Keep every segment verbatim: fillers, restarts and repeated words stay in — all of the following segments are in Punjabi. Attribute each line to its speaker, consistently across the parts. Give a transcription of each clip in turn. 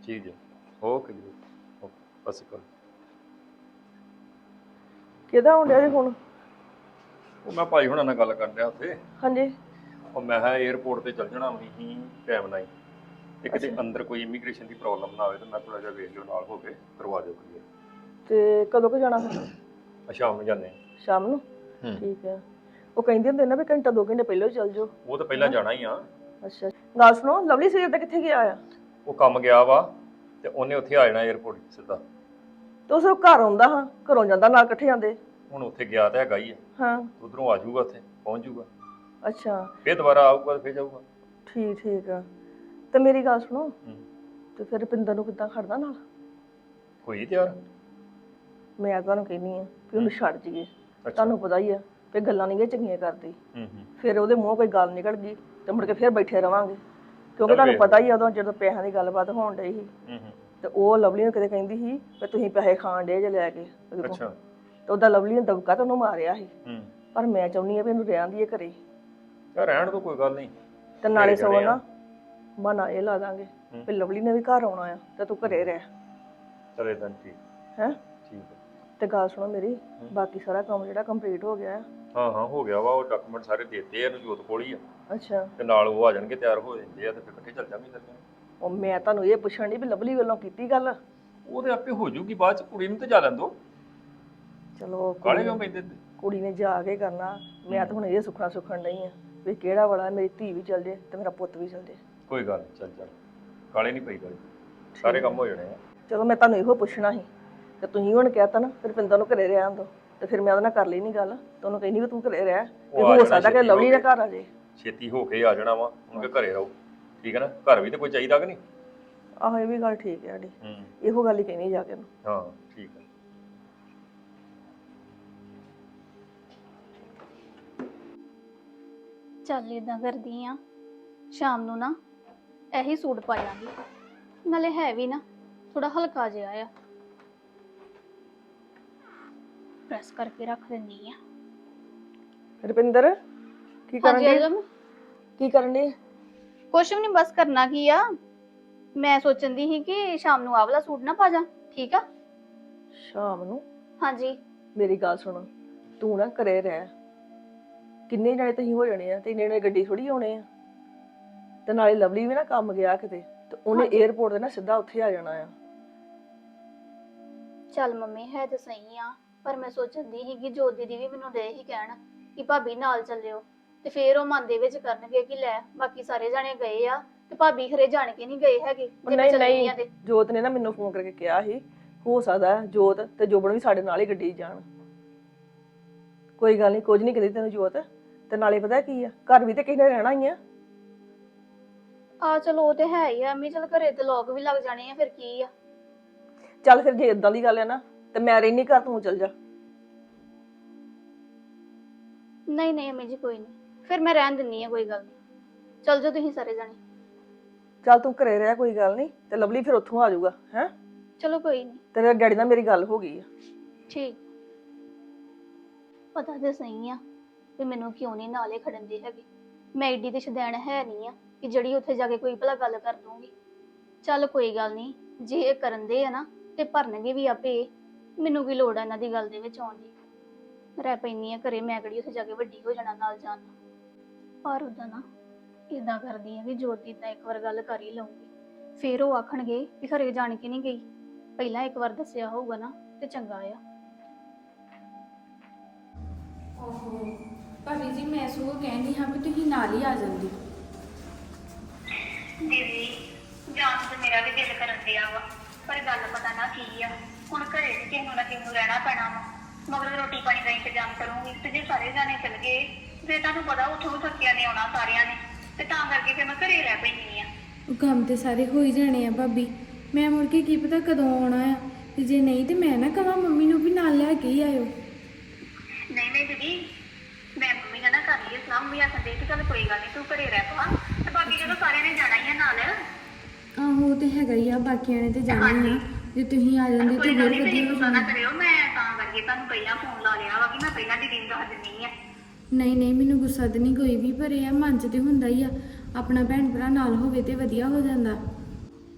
Speaker 1: ਠੀਕ ਜੀ ਓਕੇ ਜੀ ਓਕੇ ਬਸ ਕਰ
Speaker 2: ਕਿਹਦਾ ਆਉਂਦਿਆ ਜੀ ਹੁਣ?
Speaker 1: ਉਹ ਮੈਂ ਭਾਈ ਹੁਣਾਂ ਨਾਲ ਗੱਲ ਕਰ ਰਿਹਾ ਉੱਥੇ
Speaker 2: ਹਾਂਜੀ।
Speaker 1: ਉਹ ਮੈਂ ਕਿਹਾ 에어ਪੋਰਟ ਤੇ ਚੱਲ ਜਾਣਾ ਵੀ ਹੀ ਟਾਈਮ ਨਾਲ ਹੀ ਤੇ ਕਿਤੇ
Speaker 2: ਅੱਛਾ।
Speaker 1: ਅੰਦਰ ਕੋਈ ਇਮੀਗ੍ਰੇਸ਼ਨ ਦੀ ਪ੍ਰੋਬਲਮ ਨਾ ਆਵੇ ਤਾਂ ਮੈਂ ਥੋੜਾ ਜਿਹਾ ਵੇਖ ਲਿਓ ਨਾਲ ਹੋ ਕੇ ਕਰਵਾ ਦਿਓ ਕਲੀਅਰ।
Speaker 2: ਤੇ ਕਦੋਂ ਕੁ ਜਾਣਾ ਫਿਰ?
Speaker 1: ਆ ਸ਼ਾਮ ਨੂੰ ਜਾਂਦੇ
Speaker 2: ਸ਼ਾਮ ਨੂੰ?
Speaker 1: ਹੂੰ
Speaker 2: ਠੀਕ ਹੈ। ਉਹ ਕਹਿੰਦੇ ਹੁੰਦੇ ਨਾ ਵੀ ਘੰਟਾ ਦੋ ਘੰਟੇ ਪਹਿਲਾਂ ਹੀ ਚੱਲ ਜਾਓ।
Speaker 1: ਉਹ ਤਾਂ ਪਹਿਲਾਂ ਜਾਣਾ ਹੀ ਆ।
Speaker 2: ਅੱਛਾ ਗੱਲ ਸੁਣੋ, ਲਵਲੀ ਸਵੇਰ ਦਾ ਕਿੱਥੇ ਗਿਆ ਆ?
Speaker 1: ਉਹ ਕੰਮ ਗਿਆ ਵਾ ਤੇ ਉਹਨੇ ਉੱਥੇ ਆ ਜਾਣਾ 에어ਪੋਰਟ ਸਿੱਧਾ।
Speaker 2: ਤੇ ਉਹ ਸਿਰਫ ਘਰ ਆਉਂਦਾ ਹਾਂ, ਘਰੋਂ ਜਾਂਦਾ ਨਾਲ ਇਕੱਠੇ ਜਾਂਦੇ।
Speaker 1: ਹੁਣ ਉੱਥੇ ਗਿਆ ਤਾਂ ਹੈਗਾ ਹੀ ਆ,
Speaker 2: ਹਾਂ।
Speaker 1: ਉਧਰੋਂ ਆ ਜਾਊਗਾ ਉੱਥੇ ਪਹੁੰਚ ਜਾਊਗਾ
Speaker 2: ਅੱਛਾ
Speaker 1: ਫਿਰ ਦੁਬਾਰਾ ਆਊਗਾ ਤੇ ਫਿਰ ਜਾਊਗਾ।
Speaker 2: ਠੀਕ ਠੀਕ ਆ। ਤੇ ਮੇਰੀ ਗੱਲ ਸੁਣੋ,
Speaker 1: ਹੂੰ
Speaker 2: ਤੇ ਫਿਰ ਰੁਪਿੰਦਰ ਨੂੰ ਕਿੱਦਾਂ ਖੜਦਾ ਨਾਲ?
Speaker 1: ਹੋਈ ਤਿਆਰ?
Speaker 2: ਮੈਂ ਤੁਹਾਨੂੰ ਕਹਿੰਦੀ ਆ ਵੀ ਉਹਨੂੰ ਛੱਡ ਜੀਏ।
Speaker 1: ਅੱਛਾ
Speaker 2: ਤੁਹਾਨੂੰ ਪਤਾ ਹੀ ਆ ਵੀ ਗੱਲਾਂ ਨਹੀਂ ਗੇ ਚੰਗੀਆਂ ਕਰਦੀ।
Speaker 1: ਹੂੰ ਹੂੰ
Speaker 2: ਫਿਰ ਉਹਦੇ ਮੂੰਹੋਂ ਕੋਈ ਗੱਲ ਨਿਕਲ ਗਈ ਤੇ ਮੁੜ ਕੇ ਫਿਰ ਬੈਠੇ ਰਵਾਂਗੇ, ਕਿਉਂਕਿ
Speaker 1: ਚੱਲ
Speaker 2: ਤੁਹਾਨੂੰ
Speaker 1: ਵੇਖ
Speaker 2: ਪਤਾ ਹੀ ਆ ਉਦੋਂ ਜਦੋਂ ਪੈਸਿਆਂ ਦੀ ਗੱਲਬਾਤ ਹੋਣ ਡਈ ਸੀ
Speaker 1: ਹੂੰ ਹੂੰ
Speaker 2: ਤੇ ਉਹ ਲਵਲੀ ਨੂੰ ਕਿਤੇ ਕਹਿੰਦੀ ਸੀ ਵੀ ਤੁਸੀਂ ਪੈਸੇ ਖਾਣ ਡੇ ਜੇ ਲੈ ਕੇ ਉਹਦੇ ਕੋਲ।
Speaker 1: ਅੱਛਾ
Speaker 2: ਤੇ ਉਹਦਾ ਲਵਲੀ ਨੇ ਦਬਕਾ ਤੇ ਉਹਨੂੰ ਮਾਰਿਆ ਸੀ।
Speaker 1: ਹੂੰ
Speaker 2: ਪਰ ਮੈਂ ਚਾਹੁੰਦੀ ਆ ਵੀ ਇਹਨੂੰ ਰਹਿਣ ਦੀਏ ਘਰੇ
Speaker 1: ਯਾਰ ਰਹਿਣ ਤੋਂ ਕੋਈ ਗੱਲ ਨਹੀਂ।
Speaker 2: ਤੇ ਨਾਲੇ
Speaker 1: ਘਰੇ
Speaker 2: ਸਗੋਂ
Speaker 1: ਜਾਣੇ ਆ।
Speaker 2: ਨਾ ਬਹਾਨਾ ਇਹ ਲਾ ਦਾਂਗੇ
Speaker 1: ਹੂੰ।
Speaker 2: ਵੀ ਲਵਲੀ ਨੇ ਵੀ ਘਰ ਆਉਣਾ ਆ ਤੇ ਤੂੰ ਘਰੇ ਰਹਿ।
Speaker 1: ਚਲੇ ਤਾਂ ਠੀਕ
Speaker 2: ਹੈਂ
Speaker 1: ਠੀਕ ਹੈ।
Speaker 2: ਤੇ ਗੱਲ ਸੁਣੋ ਮੇਰੀ, ਬਾਕੀ ਸਾਰਾ ਕੰਮ ਜਿਹੜਾ ਕੰਪਲੀਟ ਹੋ ਗਿਆ ਆ।
Speaker 1: ਹਾਂ ਹਾਂ ਹੋ ਗਿਆ ਵਾ, ਉਹ ਡਾਕੂਮੈਂਟ ਸਾਰੇ ਦੇਤੇ ਆ ਇਹਨੂੰ ਜੋਤ ਕੋਲ ਹੀ ਆ
Speaker 2: ਅੱਛਾ।
Speaker 1: ਤੇ ਨਾਲ ਉਹ ਆ ਜਾਣਗੇ ਤਿਆਰ ਹੋ ਜਾਂਦੇ ਆ ਤੇ ਫਿਰ ਇਕੱਠੇ ਚੱਲ ਜਾਵਾਂਗੇ ਫਿਰ।
Speaker 2: ਉਹ ਮੈਂ ਤੁਹਾਨੂੰ ਇਹ ਪੁੱਛਣ ਦੀ ਵੀ ਲਵਲੀ ਵੱਲੋਂ ਕੀਤੀ ਗੱਲ?
Speaker 1: ਉਹ ਤੇ ਆਪੇ ਹੋ ਜੂਗੀ ਬਾਅਦ ਚ, ਕੁੜੀ ਨੂੰ ਤੇ ਜਾ ਲੈਣ ਦੋ।
Speaker 2: ਚਲੋ
Speaker 1: ਕਾਲੇ ਕਿਉਂ ਪੈਂਦੇ?
Speaker 2: ਕੁੜੀ ਨੇ ਜਾ ਕੇ ਕਰਨਾ। ਮੈਂ ਤਾਂ ਹੁਣ ਇਹ ਸੁੱਖਣਾ ਸੁੱਖਣ ਨਹੀਂ ਆ ਵੀ ਕਿਹੜਾ ਵਾਲਾ ਮੇਰੀ ਧੀ ਵੀ ਚੱਲ ਜੇ ਤੇ ਮੇਰਾ ਪੁੱਤ ਵੀ ਚੱਲ ਜੇ।
Speaker 1: ਕੋਈ ਗੱਲ ਨਹੀਂ, ਚੱਲ ਚੱਲ ਕਾਲੇ ਨਹੀਂ ਪਈ ਗੱਲ, ਸਾਰੇ ਕੰਮ ਹੋ ਜਾਣੇ ਆ।
Speaker 2: ਚਲੋ ਮੈਂ ਤੁਹਾਨੂੰ ਇਹੋ ਪੁੱਛਣਾ ਸੀ ਤੇ ਤੁਸੀਂ ਹੁਣ ਕਹਿਤਾ ਨਾ ਰੁਪਿੰਦਰ ਨੂੰ ਘਰੇ ਰਹਿਣ ਦੋ, ਤੇ ਫਿਰ ਮੈਂ ਉਹਦੇ ਨਾਲ ਕਰ ਲਈ ਨਹੀਂ ਗੱਲ। ਤੁਹਾਨੂੰ ਕਹਿੰਦੀ ਵੀ ਤੂੰ ਘਰੇ ਰਹਿ,
Speaker 1: ਉਹ ਆ
Speaker 2: ਹੋ
Speaker 1: ਜਾਣਾ
Speaker 2: ਸਕਦਾ ਕਿ
Speaker 1: ਛੇਤੀ
Speaker 2: ਲਵਲੀ
Speaker 1: ਹੋ
Speaker 2: ਦਾ
Speaker 1: ਕੇ।
Speaker 2: ਘਰ ਆ ਜੇ।
Speaker 1: ਛੇਤੀ ਹੋ ਕੇ ਆ ਜਾਣਾ ਵਾ, ਹੁਣ ਕਿ ਘਰੇ ਰਹੋ ਠੀਕ ਹੈ ਨਾ। ਘਰ ਵੀ ਤੇ ਕੋਈ ਚਾਹੀਦਾ ਕਿ ਨਹੀਂ?
Speaker 2: ਆਹੋ ਇਹ ਵੀ ਗੱਲ ਠੀਕ ਹੈ ਸਾਡੀ।
Speaker 1: ਹੂੰ
Speaker 2: ਇਹੋ ਗੱਲ ਹੀ ਕਹਿਣੀ ਜਾ ਕੇ ਉਹਨੂੰ।
Speaker 1: ਹਾਂ ਠੀਕ ਹੈ।
Speaker 3: ਚੱਲ ਇਦਾਂ ਕਰਦੀ ਆ, ਸ਼ਾਮ ਨੂੰ ਨਾ ਇਹੀ ਸੂਟ ਪਾ ਲਾਂਗੀ, ਨਾਲੇ ਹੈ ਵੀ ਨਾ ਥੋੜਾ ਹਲਕਾ ਜਿਹਾ ਆ। ਪ੍ਰੈਸ ਕਰਕੇ ਰੱਖ ਦਿੰਨੀ ਆ।
Speaker 2: ਰੁਪਿੰਦਰ ਕੀ ਕਰਨ
Speaker 3: ਹਾਂਜੀ
Speaker 2: ਦੀ?
Speaker 3: ਅਜਮ,
Speaker 2: ਕੀ ਕਰਨ ਦੀ?
Speaker 3: ਕੁਛ ਵੀ ਨਹੀਂ, ਬਸ ਕਰਨਾ ਕੀ ਆ। ਮੈਂ ਸੋਚਣ ਦੀ ਸੀ ਕਿ ਸ਼ਾਮ ਨੂੰ ਆਹ ਵਾਲਾ ਸੂਟ ਨਾ ਪਾ ਜਾ, ਠੀਕ ਆ?
Speaker 2: ਸ਼ਾਮ ਨੂੰ?
Speaker 3: ਹਾਂਜੀ।
Speaker 2: ਮੇਰੀ ਗੱਲ ਸੁਣ, ਤੂੰ ਨਾ ਘਰੇ ਰਹਿ। ਕਿੰਨੇ ਜਣੇ ਤੁਸੀਂ ਹੋ ਜਾਣੇ ਆ ਤੇ ਇੰਨੇ ਜਣੇ ਗੱਡੀ ਥੋੜੀ ਆਉਣੇ ਆ। ਤੇ ਨਾਲੇ ਲਵਲੀ ਵੀ ਨਾ ਕੰਮ ਗਿਆ ਕਿਤੇ ਤੇ ਉਹਨੇ 에어ਪੋਰਟ ਤੇ ਨਾ ਸਿੱਧਾ ਉੱਥੇ ਆ ਜਾਣਾ ਆ।
Speaker 3: ਚੱਲ ਮੰਮੀ ਹੈ ਤੇ ਸਹੀ ਆ, ਪਰ ਮੈਂ ਸੋਚਦੀ ਸੀ ਕਿ ਜੋਤ ਦੀਦੀ ਵੀ ਮੈਨੂੰ ਦੇ ਹੀ ਕਹਿਣ ਕਿ ਭਾਬੀ ਨਾਲ ਚੱਲਿਓ, ਤੇ ਫੇਰ ਉਹ ਮਨ ਦੇ ਵਿੱਚ ਕਰਨਗੇ ਕਿ ਲੈ ਬਾਕੀ ਸਾਰੇ ਜਾਣੇ ਗਏ ਆ ਤੇ ਭਾਬੀ ਖਰੇ ਜਾਣ ਕੇ ਨਹੀਂ ਗਏ ਹੈਗੇ। ਜੇ ਮੈਂ
Speaker 2: ਨਹੀਂ
Speaker 3: ਚੱਲੀ
Speaker 2: ਨਹੀਂ,
Speaker 3: ਆ ਤੇ
Speaker 2: ਜੋਤ ਨੇ ਨਾ ਮੈਨੂੰ ਫੋਨ ਕਰਕੇ ਕਿਹਾ ਸੀ ਹੋ ਸਕਦਾ ਜੋਤ ਤੇ ਜੋਬਨ ਵੀ ਸਾਡੇ ਨਾਲ ਹੀ ਗੱਡੀ 'ਚ ਜਾਣ। ਕੋਈ ਗੱਲ ਨਹੀਂ, ਕੁਝ ਨਹੀਂ ਕਹਿੰਦੀ ਤੈਨੂੰ ਜੋਤ। ਤੇ ਨਾਲੇ ਪਤਾ ਕੀ ਆ, ਘਰ ਵੀ ਤੇ ਕਿਸੇ ਨੇ ਰਹਿਣਾ ਹੀ ਆ।
Speaker 3: ਆ ਚਲੋ ਉਹ ਤੇ ਹੈ ਹੀ ਆ ਅੰਮੀ, ਚਲ ਘਰੇ ਤੇ ਲੋਕ ਵੀ ਲੱਗ ਜਾਣੇ ਆ, ਫਿਰ ਕੀ ਆ।
Speaker 2: ਚੱਲ ਫਿਰ ਜੇ ਇਦਾਂ ਦੀ ਗੱਲ ਹੈ ਨਾ ਤੇ ਮੈਂ ਰਹਿਨੀ ਘਰ, ਤੂੰ ਚੱਲ ਜਾ।
Speaker 3: ਨਹੀਂ ਨਹੀਂ ਅੰਮੀ ਜੀ ਕੋਈ ਨਹੀਂ, ਫਿਰ ਮੈਂ ਰਹਿਣ ਦਿੰਨੀ ਆ, ਕੋਈ ਗੱਲ ਨਹੀਂ। ਚੱਲ ਜਾਓ ਤੁਸੀਂ ਸਾਰੇ ਜਾਣੇ।
Speaker 2: ਚੱਲ ਤੂੰ ਘਰੇ ਰਹਿ, ਕੋਈ ਗੱਲ ਨਹੀਂ। ਤੇ ਲਵਲੀ ਫਿਰ ਉੱਥੋਂ ਆ ਜਾਊਗਾ। ਹੈ
Speaker 3: ਚਲੋ ਕੋਈ ਨਹੀਂ।
Speaker 2: ਤੇਰੇ ਡੈਡੀ ਨਾਲ ਮੇਰੀ ਗੱਲ ਹੋ ਗਈ ਆ।
Speaker 3: ਠੀਕ। ਪਤਾ ਤੇ ਸਹੀ ਆ ਵੀ ਮੈਨੂੰ ਕਿਉਂ ਨਹੀਂ ਨਾਲੇ ਖੜਨ ਦੇ ਹੈਗੇ। ਮੈਂ ਏਡੀ ਤੇ ਸ਼ਦੈਣ ਹੈ ਨਹੀਂ ਆ ਕਿ ਜਿਹੜੀ ਉੱਥੇ ਜਾ ਕੇ ਕੋਈ ਭਲਾ ਗੱਲ ਕਰ ਦੂੰਗੀ। ਚੱਲ ਕੋਈ ਗੱਲ ਨਹੀਂ, ਜੇ ਇਹ ਕਰਨ ਦੇ ਆ ਨਾ ਤੇ ਭਰਨਗੇ ਵੀ ਆਪੇ। ਮੈਨੂੰ ਕੀ ਲੋੜ ਆ ਇਹਨਾਂ ਦੀ ਗੱਲ ਦੇ ਵਿੱਚ ਆਉਣ ਦੀ। ਰਹਿ ਪੈਂਦੀ ਆ ਘਰੇ, ਮੈਂ ਕਿਹੜੀ ਉੱਥੇ ਜਾ ਕੇ ਵੱਡੀ ਹੋ ਜਾਣਾ ਨਾਲ ਜਾਣ ਨਾਲ। ਪਰ ਉਦਾਂ ਨਾ ਏਦਾਂ ਕਰਦੀ ਆ ਕਿ ਜੋਤ ਦੀ ਤਾਂ ਇੱਕ ਵਾਰ ਗੱਲ ਕਰ ਹੀ ਲਊਂਗੀ, ਫੇਰ ਉਹ ਆਖਣਗੇ ਵੀ ਘਰੇ ਜਾਣ ਕੇ ਨਹੀਂ ਗਈ। ਪਹਿਲਾਂ ਇੱਕ ਵਾਰ ਦੱਸਿਆ ਹੋਊਗਾ ਨਾ ਤੇ ਚੰਗਾ ਆ।
Speaker 4: ਓਹੋ ਭਾਬੀ ਜੀ, ਮੈਂ ਸਗੋਂ ਕਹਿੰਦੀ ਹਾਂ ਵੀ ਤੁਸੀਂ ਨਾਲ ਹੀ ਆ ਜਾਂਦੀ।
Speaker 5: ਦੀਦੀ ਜਾਣ ਤੇ ਮੇਰਾ ਵੀ ਦਿਲ ਕਰਨ ਦਿਆ ਵਾ, ਪਰ ਗੱਲ ਪਤਾ ਨਾ ਕੀ ਆ। ਹੁਣ ਘਰੇ ਵੀ ਕਿਸੇ ਨੂੰ ਨਾ ਕਿਸੇ ਨੂੰ ਰਹਿਣਾ ਪੈਣਾ ਵਾ, ਮਗਰ ਰੋਟੀ ਪਾਣੀ ਦਾ ਇੰਤਜ਼ਾਮ ਕਰੂੰਗੀ। ਤੇ ਜੇ ਸਾਰੇ ਜਾਣੇ ਚਲ ਗਏ ਫਿਰ ਤੁਹਾਨੂੰ ਪਤਾ ਉੱਥੋਂ ਵੀ ਥੱਕਿਆ ਨੇ ਆਉਣਾ ਸਾਰਿਆਂ ਨੇ, ਤੇ ਤਾਂ ਕਰਕੇ ਫਿਰ ਮੈਂ ਘਰੇ ਰਹਿ ਪੈਂਦੀ ਆ।
Speaker 4: ਉਹ ਕੰਮ ਤੇ ਸਾਰੇ ਹੋ ਹੀ ਜਾਣੇ ਆ ਭਾਬੀ, ਮੈਂ ਮੁੜ ਕੇ ਕੀ ਪਤਾ ਕਦੋਂ ਆਉਣਾ ਆ। ਤੇ ਜੇ ਨਹੀਂ ਤੇ ਮੈਂ ਨਾ ਕਹਾਂ ਮੰਮੀ ਨੂੰ ਵੀ ਨਾਲ ਲੈ ਕੇ ਹੀ ਆਇਓ।
Speaker 5: ਨਹੀਂ ਨਹੀਂ ਦੀਦੀ, ਮੈਂ ਮੰਮੀ ਨਾਲ ਨਾ ਕਰ ਲਈ ਸਲਾਹ। ਮੰਮੀ ਆਖਣ ਦੇ ਕਿ ਚੱਲ ਕੋਈ ਗੱਲ ਨਹੀਂ ਤੂੰ ਘਰੇ ਰਹਿ ਪਾ, ਤੇ ਬਾਕੀ ਜਦੋਂ ਸਾਰਿਆਂ ਨੇ ਜਾਣਾ ਹੀ ਆ ਨਾਲ।
Speaker 4: ਆਹੋ ਉਹ ਤੇ ਹੈਗਾ ਹੀ ਆ, ਬਾਕੀਆਂ ਨੇ ਤੇ ਜਾਣਾ ਹੀ ਆ। ਜੇ ਤੁਸੀਂ ਆ ਜਾਂਦੇ ਤੇ
Speaker 5: ਕੋਈ ਗੱਲ
Speaker 4: ਹੋਰ
Speaker 5: ਨਹੀਂ, ਤੁਸੀਂ
Speaker 4: ਵਧੀਆ ਹੋ
Speaker 5: ਗੁੱਸਾ ਨਾ
Speaker 4: ਜਾਣਾ।
Speaker 5: ਕਰਿਓ। ਮੈਂ ਤਾਂ ਕਰਕੇ ਤੁਹਾਨੂੰ ਪਹਿਲਾਂ ਫੋਨ ਲਾ ਲਿਆ ਵਾ ਕਿ ਮੈਂ ਪਹਿਲਾਂ ਦੀਦੀ ਨੂੰ ਦੱਸ ਦਿੰਦੀ ਆ।
Speaker 4: ਨਹੀਂ ਨਹੀਂ, ਮੈਨੂੰ ਗੁੱਸਾ ਤੇ ਨਹੀਂ ਕੋਈ ਵੀ, ਪਰ ਇਹ ਆ ਮਨ 'ਚ ਤੇ ਹੁੰਦਾ ਹੀ ਆ ਆਪਣਾ ਭੈਣ ਭਰਾ ਨਾਲ ਹੋਵੇ ਤੇ ਵਧੀਆ ਹੋ ਜਾਂਦਾ।